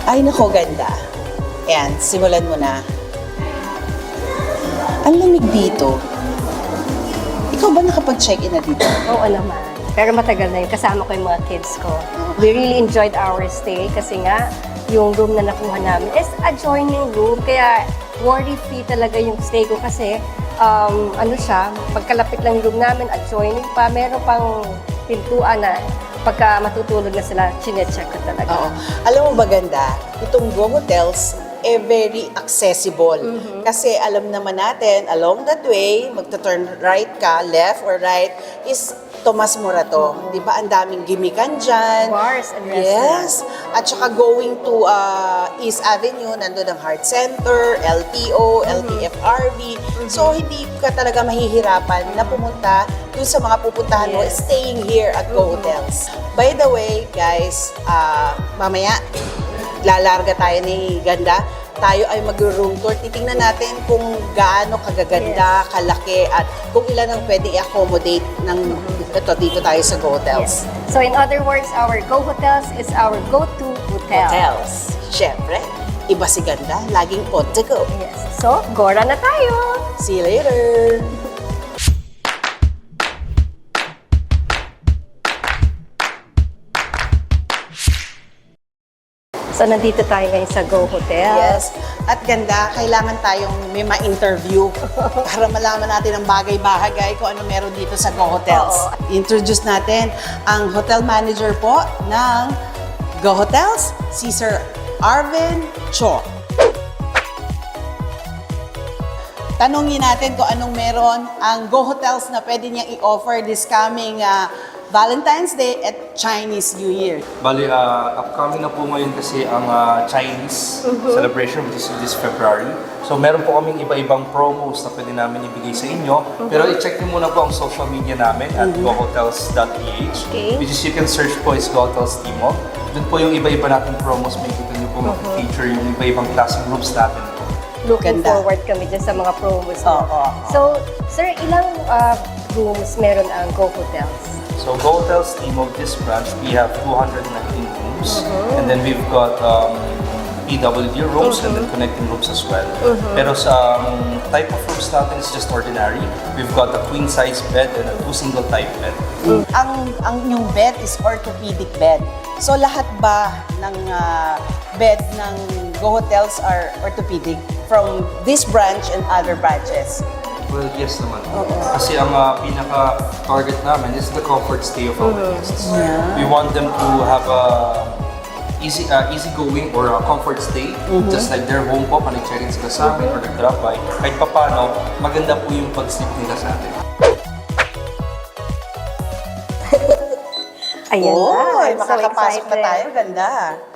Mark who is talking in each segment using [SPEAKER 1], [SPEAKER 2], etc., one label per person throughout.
[SPEAKER 1] Ay, nako, ganda. Ayan, simulan mo na. Ang lamig dito. Ikaw ba nakapag-check-in na dito?
[SPEAKER 2] Oo naman. Pero matagal na yun. Kasama ko yung mga kids ko. We really enjoyed our stay kasi nga, yung room na nakuha namin is adjoining room. Kaya worry-free talaga yung stay ko kasi ano siya, pagkalapit lang yung room namin, adjoining pa. Meron pang pintuan na pagka matutulog na sila, chinecheck ko talaga.
[SPEAKER 1] Oo. Alam mo ba ganda? Itong Go Hotels, very accessible. Kasi alam naman natin, along that way, magta-turn right ka, left or right, is Tomas Morato. Di ba? Ang daming gimikan dyan.
[SPEAKER 2] Bars and
[SPEAKER 1] Yes. At saka going to East Avenue, nandun ang Heart Center, LTO, LTFRB. So, hindi ka talaga mahihirapan na pumunta dun sa mga pupuntahan mo, staying here at Go Hotels. By the way, guys, mamaya, lalarga tayo ni Ganda. Tayo ay mag-room tour. Titingnan natin kung gaano kagaganda, kalaki, at kung ilan ang pwedeng i-accommodate ng ito dito tayo sa Go Hotels.
[SPEAKER 2] So in other words, our Go Hotels is our go-to hotel.
[SPEAKER 1] Hotels. Siyempre, iba si Ganda, laging on to go.
[SPEAKER 2] Yes. So, Gora na tayo!
[SPEAKER 1] See you later!
[SPEAKER 2] So, nandito tayo ngayon sa Go Hotel.
[SPEAKER 1] Yes. At Ganda, kailangan tayong may ma-interview para malaman natin ang bagay-bahagay kung ano meron dito sa Go Hotels. Introduce natin ang hotel manager po ng Go Hotels, si Sir Arvin Cho. Tanungin natin kung anong meron ang Go Hotels na pwede niyang i-offer this coming Valentine's Day at Chinese New Year.
[SPEAKER 3] Bali, upcoming na po ngayon kasi ang Chinese celebration, which is this February. So, meron po kaming iba-ibang promos na pwede namin ibigay sa inyo. Pero i-check niyo muna po ang social media namin at gohotels.ph, which is you can search po is Go Hotels Timog. Doon po yung iba-iba nating promos. May kita niyo po mag-feature yung iba-ibang class groups natin po.
[SPEAKER 2] Looking
[SPEAKER 1] Ganda.
[SPEAKER 2] forward kami dyan sa mga promos.
[SPEAKER 1] Oo.
[SPEAKER 2] So, sir, ilang rooms meron ang Go Hotels?
[SPEAKER 3] So, Go Hotels Timog, this branch, we have 219 rooms. And then we've got PWD rooms and then connecting rooms as well. Pero sa type of rooms natin is just ordinary. We've got a queen size bed and a 2 single type bed.
[SPEAKER 1] Ang yung bed is orthopedic bed. So lahat ba ng bed ng Go Hotels are orthopedic from this branch and other branches?
[SPEAKER 3] Well, yes naman. Kasi ang pinaka-target namin is the comfort stay of our guests. We want them to have a easy-going or a comfort stay, just like their home po, pag nag-check-in sila sa amin or nag-drop by. Kahit papano, maganda po yung pag-sleep nila sa atin.
[SPEAKER 2] Ayan na. I'm so
[SPEAKER 1] Makakapasok na
[SPEAKER 2] excited.
[SPEAKER 1] tayo. Ganda.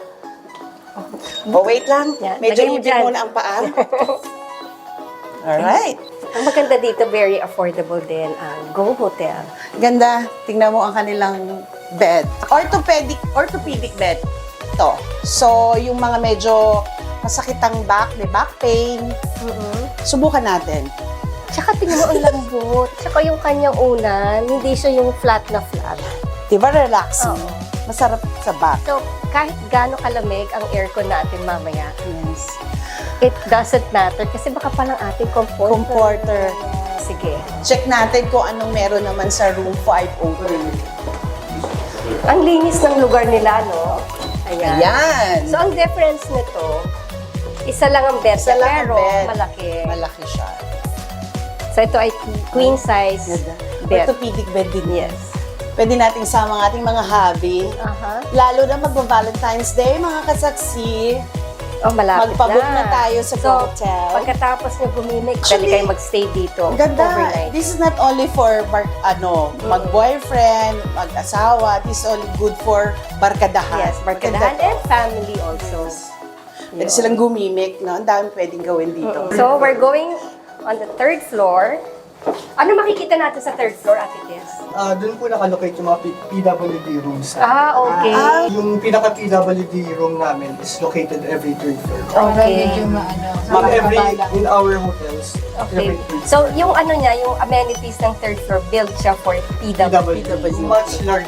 [SPEAKER 1] Oh, wait lang.
[SPEAKER 2] Yeah,
[SPEAKER 1] Medyo
[SPEAKER 2] lagay mo
[SPEAKER 1] ipin
[SPEAKER 2] dyan.
[SPEAKER 1] muna ang paa. Alright.
[SPEAKER 2] Ang maganda dito, very affordable din ang Go Hotel.
[SPEAKER 1] Ganda. Tingnan mo ang kanilang bed. Orthopedic bed. Ito. So, yung mga medyo masakit ang back, may back pain. Subukan natin.
[SPEAKER 2] Tsaka tingnan mo ang lambot. Tsaka yung kanyang unan, hindi siya yung flat na flat.
[SPEAKER 1] Diba relaxing?
[SPEAKER 2] Oo.
[SPEAKER 1] Masarap sa back.
[SPEAKER 2] So, kahit gaano kalamig ang aircon natin mamaya,
[SPEAKER 1] Yes.
[SPEAKER 2] it doesn't matter kasi baka palang ating comforter.
[SPEAKER 1] Comforter.
[SPEAKER 2] Sige.
[SPEAKER 1] Check natin kung anong meron naman sa room 503.
[SPEAKER 2] Ang linis ng lugar nila, no? Ayan.
[SPEAKER 1] Ayan.
[SPEAKER 2] So, ang difference nito, isa lang ang bed,
[SPEAKER 1] Isa lang ang
[SPEAKER 2] pero
[SPEAKER 1] bed.
[SPEAKER 2] malaki.
[SPEAKER 1] Malaki siya.
[SPEAKER 2] So, ito ay queen size bed.
[SPEAKER 1] Orthopedic bed din.
[SPEAKER 2] Yes.
[SPEAKER 1] Pwede nating sama ang ating mga hobby.
[SPEAKER 2] Aha.
[SPEAKER 1] Lalo na magba-Valentine's Day, mga kasaksi.
[SPEAKER 2] Oh, malapit
[SPEAKER 1] Magpabook na tayo sa Go Hotel.
[SPEAKER 2] Pagkatapos nyo bumimik,
[SPEAKER 1] Actually,
[SPEAKER 2] dali kayo magstay dito
[SPEAKER 1] Ang ganda.
[SPEAKER 2] overnight.
[SPEAKER 1] This is not only for mag-boyfriend, mag-asawa. This is only good for barkadahan.
[SPEAKER 2] Yes, barkadahan
[SPEAKER 1] Maganda
[SPEAKER 2] and family also.
[SPEAKER 1] to. Pwede silang gumimik, no? Ang dami pwedeng gawin dito.
[SPEAKER 2] So, we're going on the third floor. Ano makikita natin sa third floor, Ate Tess?
[SPEAKER 4] Doon po nakalocate yung mga PWD rooms.
[SPEAKER 2] Okay.
[SPEAKER 4] Yung pinaka-PWD room namin is located every third floor.
[SPEAKER 2] Okay.
[SPEAKER 4] In our hotels,
[SPEAKER 2] Okay.
[SPEAKER 4] every third
[SPEAKER 2] So, yung ano niya, yung amenities ng third floor, built siya for PWD.
[SPEAKER 4] PWD. Much larger room.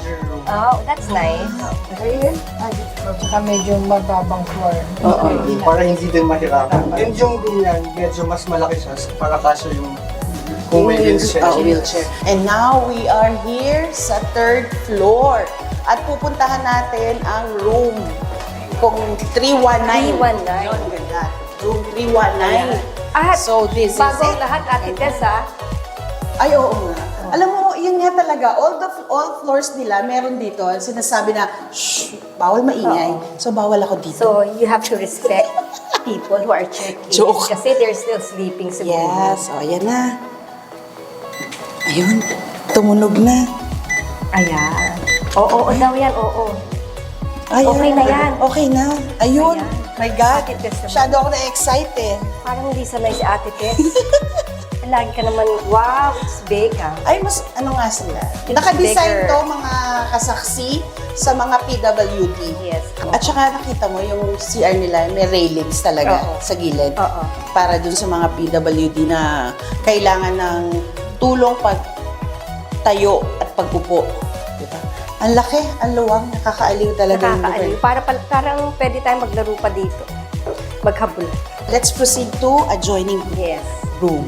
[SPEAKER 2] Oh, that's nice.
[SPEAKER 5] Tsaka medyo mababang floor.
[SPEAKER 1] Oo.
[SPEAKER 4] Para hindi din mahirapan. And yung room yan, medyo mas malaki siya para kaso yung kung may wheelchair.
[SPEAKER 1] Wheelchair. And now we are here sa 3rd floor. At pupuntahan natin ang room kung 319.
[SPEAKER 2] 319.
[SPEAKER 1] Yun, ganda. Room 319.
[SPEAKER 2] At
[SPEAKER 1] So this is
[SPEAKER 2] bago
[SPEAKER 1] it.
[SPEAKER 2] ang lahat, Ate Tess,
[SPEAKER 1] Ay, oo nga. Alam mo, yun nga talaga, all floors nila, meron dito, sinasabi na, shh, bawal maingay. So, bawal ako dito.
[SPEAKER 2] So, you have to respect people who are checking.
[SPEAKER 1] Joke.
[SPEAKER 2] Kasi they're still sleeping siguro.
[SPEAKER 1] Yes, o, ayan na. Ayun, tumunog na.
[SPEAKER 2] Ayan. Oo daw yan, oo.
[SPEAKER 1] Ayan.
[SPEAKER 2] Okay na yan.
[SPEAKER 1] Okay na. Ayun.
[SPEAKER 2] Ayan.
[SPEAKER 1] My God.
[SPEAKER 2] Ate Tess naman.
[SPEAKER 1] Masyado ako na-excite eh.
[SPEAKER 2] Parang hindi sanay si Ate Tess. Lagi ka naman, wow, it's big
[SPEAKER 1] Ay, mas ano nga sila.
[SPEAKER 2] It's
[SPEAKER 1] Nakadesign
[SPEAKER 2] bigger.
[SPEAKER 1] to mga kasaksi sa mga PWD.
[SPEAKER 2] Yes.
[SPEAKER 1] At saka nakita mo yung CR nila, may railings talaga
[SPEAKER 2] Oo.
[SPEAKER 1] sa gilid.
[SPEAKER 2] Oo.
[SPEAKER 1] Para dun sa mga PWD na kailangan ng tulong pagtayo at pag-upo. Diba? Ang laki, ang luwang, nakakaaliw talaga yung lugar.
[SPEAKER 2] Nakakaaliw. Parang pwede tayong maglaro pa dito. Maghabol.
[SPEAKER 1] Let's proceed to adjoining
[SPEAKER 2] Yes.
[SPEAKER 1] room.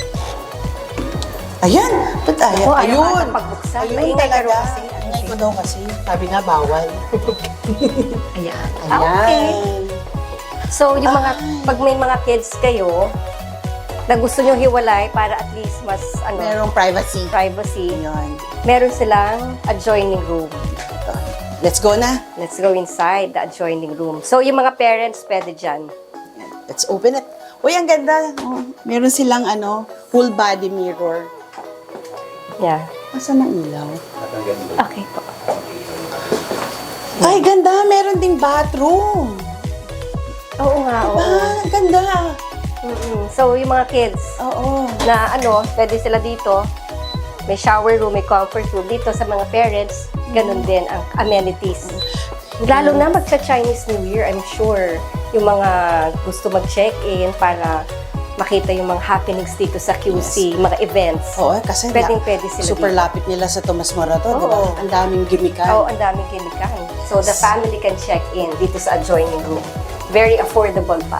[SPEAKER 1] Ayan! Ba't ayan?
[SPEAKER 2] Oo, ayaw
[SPEAKER 1] Ayun!
[SPEAKER 2] ata pagbuksan.
[SPEAKER 1] Ayun
[SPEAKER 2] Maingay ka
[SPEAKER 1] talaga.
[SPEAKER 2] raw kasi.
[SPEAKER 1] Ingay ko daw kasi. Sabi nga, bawal.
[SPEAKER 2] Ayan.
[SPEAKER 1] Ayan.
[SPEAKER 2] Okay. So, yung mga, pag may mga kids kayo, na gusto nyo hiwalay para at least mas,
[SPEAKER 1] Merong privacy.
[SPEAKER 2] privacy,
[SPEAKER 1] Ayan.
[SPEAKER 2] meron silang adjoining room.
[SPEAKER 1] Ito. Let's go na.
[SPEAKER 2] Let's go inside the adjoining room. So, yung mga parents, pwede dyan.
[SPEAKER 1] Ayan. Let's open it. Uy, ang ganda. Meron silang full body mirror.
[SPEAKER 2] Yeah.
[SPEAKER 1] Asan ang ilaw?
[SPEAKER 2] Okay po.
[SPEAKER 1] Ay, ganda. Meron ding bathroom.
[SPEAKER 2] Oo nga, oo.
[SPEAKER 1] Ah, ganda.
[SPEAKER 2] So, yung mga kids,
[SPEAKER 1] Oo.
[SPEAKER 2] na pwede sila dito. May shower room, may comfort room. Dito sa mga parents, ganun din ang amenities. Lalo na magsa-Chinese New Year, I'm sure. Yung mga gusto mag-check-in para makita yung mga happenings dito sa QC, mga events.
[SPEAKER 1] Oo, kasi
[SPEAKER 2] Pwede sila
[SPEAKER 1] super
[SPEAKER 2] dito.
[SPEAKER 1] lapit nila sa Tomas Morato, di ba?
[SPEAKER 2] Oo.
[SPEAKER 1] Ang daming gimikan.
[SPEAKER 2] Oo, ang daming kinikan. So, the family can check in dito sa adjoining room. Very affordable pa.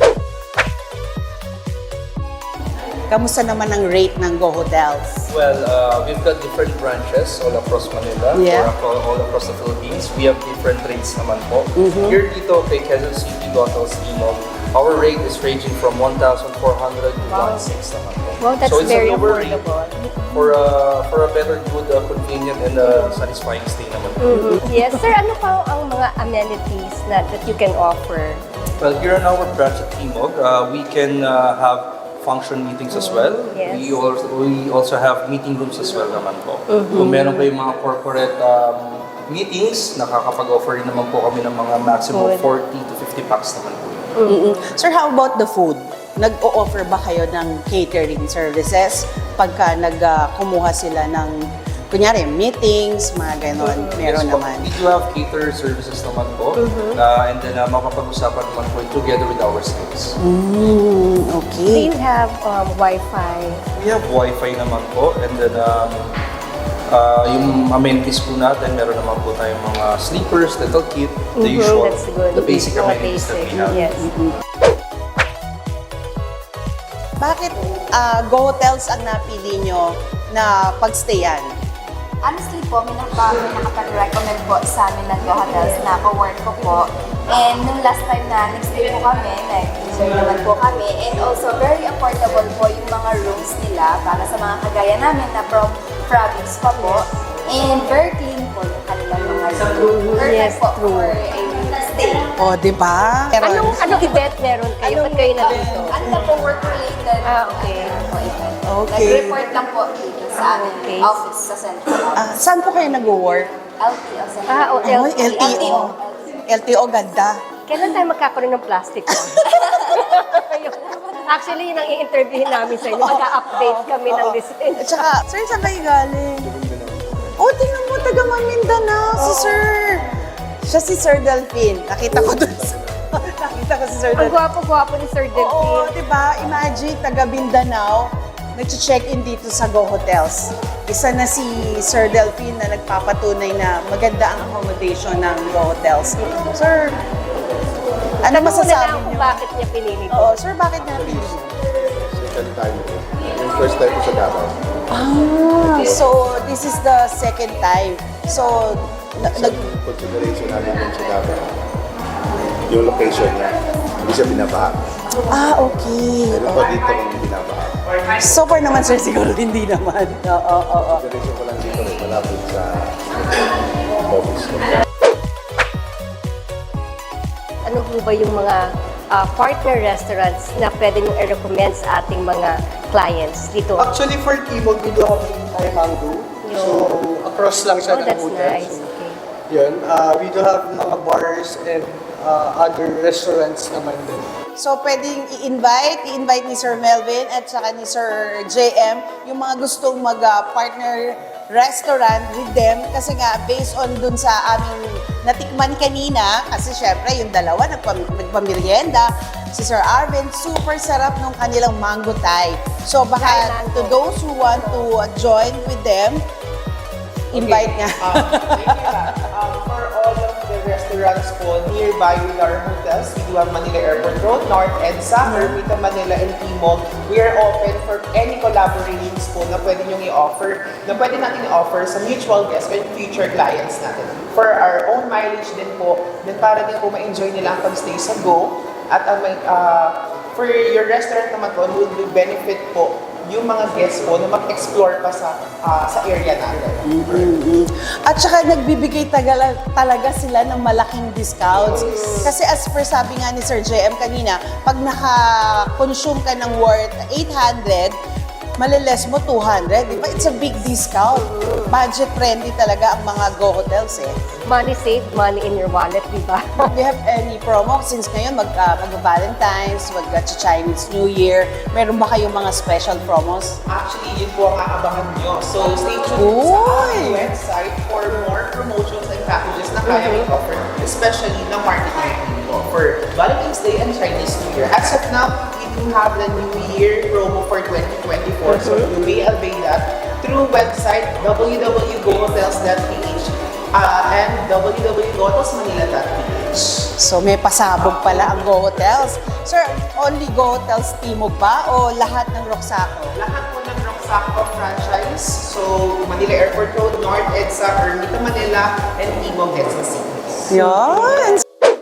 [SPEAKER 1] Kamusta naman ang rate ng Go Hotels?
[SPEAKER 3] Well, we've got different branches all across Manila,
[SPEAKER 1] Yeah.
[SPEAKER 3] or all across the Philippines. We have different rates naman po. Here dito kay Quezon City Hotels Timog, our rate is ranging from 1,400 to 1,600 naman po.
[SPEAKER 2] Wow, that's
[SPEAKER 3] so it's
[SPEAKER 2] very
[SPEAKER 3] a lower rate
[SPEAKER 2] affordable.
[SPEAKER 3] for a better, good, convenient, and satisfying stay naman po.
[SPEAKER 2] Yes, sir. Ano pa ang mga amenities that you can offer?
[SPEAKER 3] Well, here in our branch at Timog, we can have function meetings as well.
[SPEAKER 2] Yes.
[SPEAKER 3] We also have meeting rooms as well naman po. Kung meron kayong mga corporate meetings, nakakapag-offer rin naman po kami ng mga maximum
[SPEAKER 2] Food.
[SPEAKER 3] 40 to 50 packs naman po.
[SPEAKER 1] Sir, how about the food? Nag-o-offer ba kayo ng catering services pagka kumuha sila ng, kunyari, meetings, mga ganon? Meron
[SPEAKER 3] Yes po.
[SPEAKER 1] naman.
[SPEAKER 3] We do have cater services naman po. And then makapag-usapan naman po together with our sales.
[SPEAKER 2] Do
[SPEAKER 1] Okay.
[SPEAKER 2] you have Wi-Fi?
[SPEAKER 3] We have Wi-Fi naman po. And then yung amenities po natin, meron naman po tayong mga sleepers, dental kit, the usual,
[SPEAKER 2] That's good.
[SPEAKER 3] the basic
[SPEAKER 2] Mga
[SPEAKER 3] amenities that we have.
[SPEAKER 2] Yes.
[SPEAKER 1] Bakit Go Hotels ang napili nyo na pagstayan?
[SPEAKER 6] Honestly po, may nakapag-recommend po sa amin ng Go Hotels na co-work ko po. And nung last time na nag-stay po kami, nag-enjoy naman po kami. And also, very affordable po yung mga rooms nila para sa mga kagaya namin na from province pa po. And very clean po yung kanilang mga rooms. Perfect
[SPEAKER 2] Yes,
[SPEAKER 6] po
[SPEAKER 2] true.
[SPEAKER 6] for a stay.
[SPEAKER 1] O, di ba?
[SPEAKER 2] Anong event meron kayo? Ba't kayo nandito?
[SPEAKER 6] Ano na po work-related?
[SPEAKER 2] Okay.
[SPEAKER 6] po event.
[SPEAKER 1] Okay.
[SPEAKER 6] Nag-report lang po dito sa aming
[SPEAKER 2] Okay.
[SPEAKER 6] office sa Central Office.
[SPEAKER 1] Saan po kayo nag-work?
[SPEAKER 6] LTO, Central
[SPEAKER 1] Oh, LTO. LTO, ganda.
[SPEAKER 2] Kailan tayo magkakaroon ng plastic? Actually, yun ang i-interviewin namin sa inyo. Magka-update kami ng design.
[SPEAKER 1] At saka, sir, saan kayo galing? Oh, tingnan mo, taga Maguindanao, si sir. Siya si Sir Delphine. Nakita ko doon. Nakita ko si Sir
[SPEAKER 2] Ang
[SPEAKER 1] Delphine.
[SPEAKER 2] gwapo-gwapo ni Sir
[SPEAKER 1] Oo,
[SPEAKER 2] Delphine.
[SPEAKER 1] di ba? Imagine, taga Mindanao. nag-check-in dito sa Go Hotels. Isa na si Sir Delphine na nagpapatunay na maganda ang accommodation ng Go Hotels. Sir, ano masasabi
[SPEAKER 2] Una lang kung
[SPEAKER 1] niyo?
[SPEAKER 2] bakit niya pinili
[SPEAKER 1] Oo, sir, bakit niya pinili?
[SPEAKER 7] Second time. Yung first time ko sa Davao.
[SPEAKER 1] So this is the second time. So,
[SPEAKER 7] Sa consideration namin dun sa Davao, yung location niya, hindi siya binabaha.
[SPEAKER 1] okay.
[SPEAKER 7] Pero pa dito kung binabaha.
[SPEAKER 1] So far naman, sir, siguro hindi naman. Oo.
[SPEAKER 7] Consideration ko lang dito rin, malapit sa office ko.
[SPEAKER 2] Ano po ba yung mga partner restaurants na pwede nyo i-recommend sa ating mga clients dito?
[SPEAKER 4] Actually, for Timog, dito kami Thai Mango. So, across lang siya
[SPEAKER 2] Oh,
[SPEAKER 4] ng
[SPEAKER 2] that's
[SPEAKER 4] hotel.
[SPEAKER 2] nice.
[SPEAKER 4] So,
[SPEAKER 2] Okay.
[SPEAKER 4] yun. We do have mga bars and other restaurants naman din.
[SPEAKER 1] So, pwedeng i-invite ni Sir Melvin at saka ni Sir JM yung mga gustong mag-partner restaurant with them kasi nga, based on dun sa aming natikman kanina, kasi syempre, yung dalawa nagpamerienda, si Sir Arvin, super sarap nung kanilang mango Thai. So, baka
[SPEAKER 2] Thai mango.
[SPEAKER 1] to those who want to join with them, invite nga.
[SPEAKER 8] For all of the restaurants po nearby with our hotels, we do have Manila Airport Road, North EDSA, Ermita Manila, and Timog. We are open for any collaborations po na pwede nyo i-offer, na pwede natin i-offer sa mutual guests and future clients natin. For our own mileage din po, then para din po ma-enjoy nila ang pag-stay sa Go. At for your restaurant naman po, will benefit po yung mga guests po na mag-explore pa sa area natin.
[SPEAKER 1] At saka nagbibigay talaga sila ng malaking discounts. Kasi as per sabi nga ni Sir JM kanina, pag naka-consume ka ng worth 800, maliles mo 200, di ba? It's a big discount. Budget friendly talaga ang mga Go Hotels eh.
[SPEAKER 2] Money saved, money in your wallet, di ba?
[SPEAKER 1] Do you have any promo? Since ngayon mag-Valentine's, mag-Chinese New Year, meron ba kayong mga special promos?
[SPEAKER 8] Actually, yun po ang aabangan nyo. So, stay tuned sa
[SPEAKER 1] Uy!
[SPEAKER 8] aming website for more promotions and packages na kaya i-offer, especially na marketing po for Valentine's Day and Chinese New Year. As of now, we do have the New Year promo for 2024. So, you may avail that through website www.gohotels.ph and www.gotelsmanila.ph.
[SPEAKER 1] So may pasabog pala ang Go Hotels. Sir, only Go Hotels Timog ba o lahat ng Roxaco?
[SPEAKER 8] Lahat po ng Roxaco franchise. So, Manila Airport Road, North EDSA, Ermita Manila, and Timog, Quezon City.
[SPEAKER 1] Yan!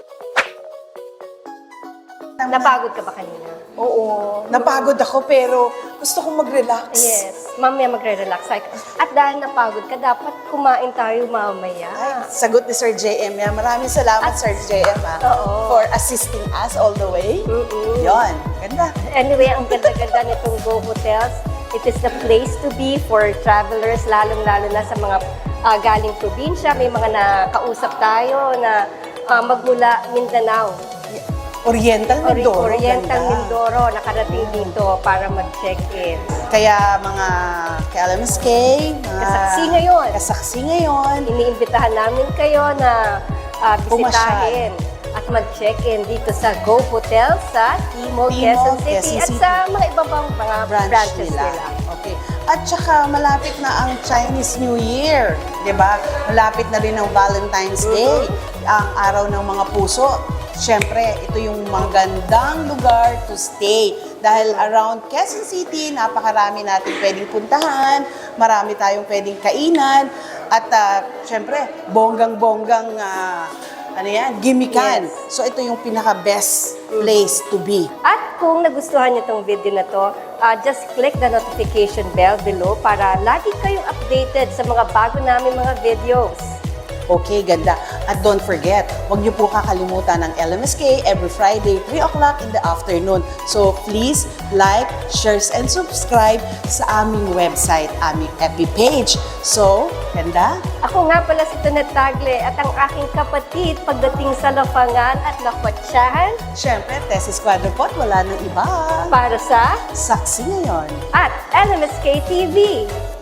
[SPEAKER 2] Napagod ka ba kanina?
[SPEAKER 1] Oo, napagod ako pero gusto kong mag-relax.
[SPEAKER 2] Yes. Mamaya magre-relax. At dahil napagod ka, dapat kumain tayo mamaya.
[SPEAKER 1] Ay, sagot ni Sir JM yan. Maraming salamat, Sir JM,
[SPEAKER 2] Oo.
[SPEAKER 1] for assisting us all the way. Yon, ganda.
[SPEAKER 2] Anyway, ang ganda-ganda nitong Go Hotels. It is the place to be for travelers, lalong-lalo na sa mga galing probinsya. May mga nakausap tayo na magmula Mindanao.
[SPEAKER 1] Oriental Mindoro.
[SPEAKER 2] Oriental
[SPEAKER 1] ganda.
[SPEAKER 2] Mindoro, nakarating dito para mag-check-in.
[SPEAKER 1] Kaya mga KLMSK, mga
[SPEAKER 2] Kasaksi ngayon.
[SPEAKER 1] Kasaksi ngayon.
[SPEAKER 2] Iniimbitahan namin kayo na bisitahin at mag-check-in dito sa Go Hotel sa Timog, Quezon City at sa mga iba pang mga branches nila.
[SPEAKER 1] Okay. At saka malapit na ang Chinese New Year, 'di ba? Malapit na rin ang Valentine's Day, ang araw ng mga puso. Siyempre, ito yung magandang lugar to stay. Dahil around Quezon City, napakarami natin pwedeng puntahan, marami tayong pwedeng kainan, at siyempre, bonggang-bonggang gimikan.
[SPEAKER 2] Yes.
[SPEAKER 1] So ito yung pinaka-best place to be.
[SPEAKER 2] At kung nagustuhan niyo itong video na to, just click the notification bell below para lagi kayong updated sa mga bago namin mga videos.
[SPEAKER 1] Okay, ganda. At don't forget, huwag niyo po kakalimutan ng LMSK every Friday, 3 o'clock in the afternoon. So please like, share, and subscribe sa aming website, aming FB page. So, ganda.
[SPEAKER 2] Ako nga pala si Tonet Tagle at ang aking kapatid pagdating sa lapangan at nakwatsahan
[SPEAKER 1] Siyempre, Tesis Quadrupot, wala nang iba.
[SPEAKER 2] para sa
[SPEAKER 1] Saksi ngayon.
[SPEAKER 2] at LMSK TV.